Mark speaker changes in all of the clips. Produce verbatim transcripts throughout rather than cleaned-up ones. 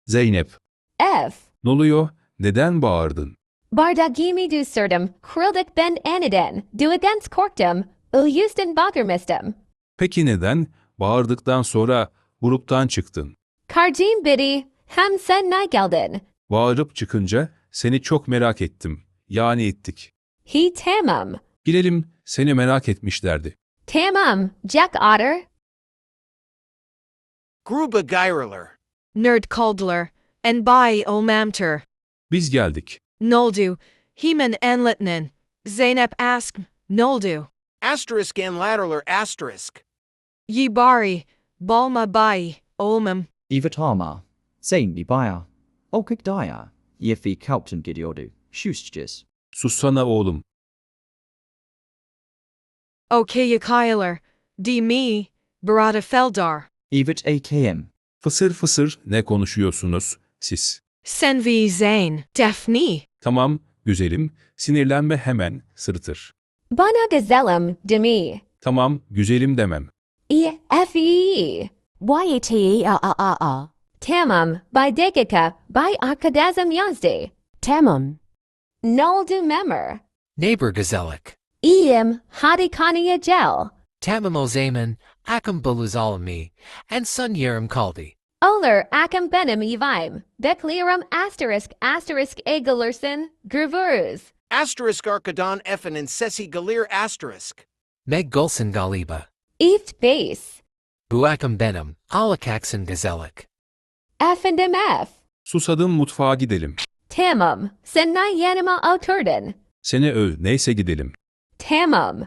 Speaker 1: Zeynep.
Speaker 2: F.
Speaker 1: Ne oluyor? Neden bağırdın?
Speaker 2: Bardagimi du surdum, krildik ben aniden, du against korktum, uyustan bakırmistum.
Speaker 1: Peki neden? Bağırdıktan sonra gruptan çıktın.
Speaker 2: Karjim bidi, hem sen ne geldin?
Speaker 1: Bağırıp çıkınca seni çok merak ettim. Yani ettik.
Speaker 2: He tamam.
Speaker 1: Bilelim seni merak etmişlerdi.
Speaker 2: Tamam, Jack Otter.
Speaker 3: Gruba Geiraler.
Speaker 4: Nerd Kaldler, and by Olmamter.
Speaker 1: Biz geldik.
Speaker 4: Noldu, Heman Enlitnen, Zainep Ask, Noldu.
Speaker 3: Asterisk and Latterler asterisk.
Speaker 4: Ye Bari, Balma Bai, Olmam.
Speaker 5: Ivatama, Zain Bibaya, Okik Daya, Yefi Kaupton Gidiodu, Shustjes.
Speaker 1: Sussana oğlum.
Speaker 4: Okayakailer, D me, Barada Feldar.
Speaker 5: Evat A K M,
Speaker 1: Fısır fısır ne konuşuyorsunuz siz?
Speaker 4: Senvi Zain, Daphne.
Speaker 1: Tamam, güzelim. Sinirlenme hemen, sırıtır.
Speaker 2: Bana gazelum, demi.
Speaker 1: Tamam, güzelim demem.
Speaker 2: E F E. Y A T E A A A A. Tamam, by dakika, by arkadazım yazdi. Tamam. Noldu memur.
Speaker 6: Neighbor Gazellik.
Speaker 2: İyiyim, hadi kanıya gel.
Speaker 6: Tamam o zaman, akım buluzalami, and sun yerim kaldi.
Speaker 2: Olur akım benim evim. Bekliyorum asterisk asterisk egalursun, gravuruz.
Speaker 3: Asterisk Arkadan Effen and Sessi Galir asterisk.
Speaker 6: Meg Gulson Galiba.
Speaker 2: Eft base.
Speaker 6: Bu akım benim, alakaksan Gazellik.
Speaker 2: Efendim F.
Speaker 1: Susadım, mutfağa gidelim.
Speaker 2: Tamam, sen ne yanıma oturdun.
Speaker 1: Seni öv, neyse gidelim.
Speaker 2: Tamam.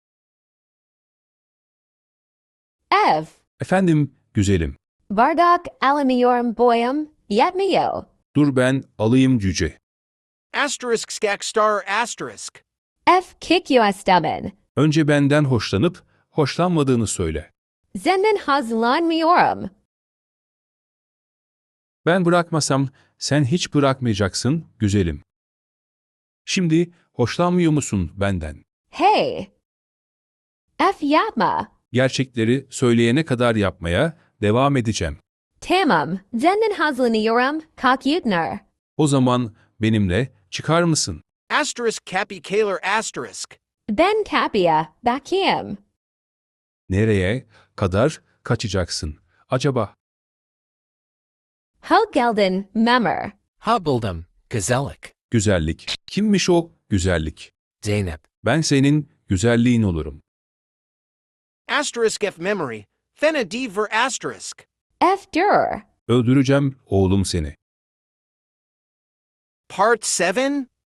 Speaker 2: F.
Speaker 1: Efendim, güzelim.
Speaker 2: Bardak alamiyorum boyum, yetmiyor.
Speaker 1: Dur ben alayım cüce.
Speaker 3: Asterisk Skak Star asterisk.
Speaker 2: F kickyoistamen.
Speaker 1: Önce benden hoşlanıp hoşlanmadığını söyle.
Speaker 2: Zenden hazırlanmıyorum.
Speaker 1: Ben bırakmasam sen hiç bırakmayacaksın, güzelim. Şimdi hoşlanmıyor musun benden?
Speaker 2: Hey. F yapma.
Speaker 1: Gerçekleri söyleyene kadar yapmaya devam edeceğim.
Speaker 2: Tamam, zenden hazırlanıyorum, kakyutner.
Speaker 1: O zaman benimle çıkar mısın?
Speaker 3: Asterisk Cappy Kaler asterisk.
Speaker 2: Ben kapıya, bakayım.
Speaker 1: Nereye kadar kaçacaksın acaba?
Speaker 2: Ho geldin, memur.
Speaker 6: Ha buldum, Gazellik.
Speaker 1: Güzellik. Kimmiş o güzellik?
Speaker 6: Zainep.
Speaker 1: Ben senin güzelliğin olurum.
Speaker 3: Asterisk F memory. Fena Dever asterisk.
Speaker 2: F dur.
Speaker 1: Öldüreceğim oğlum seni.
Speaker 3: Part seven?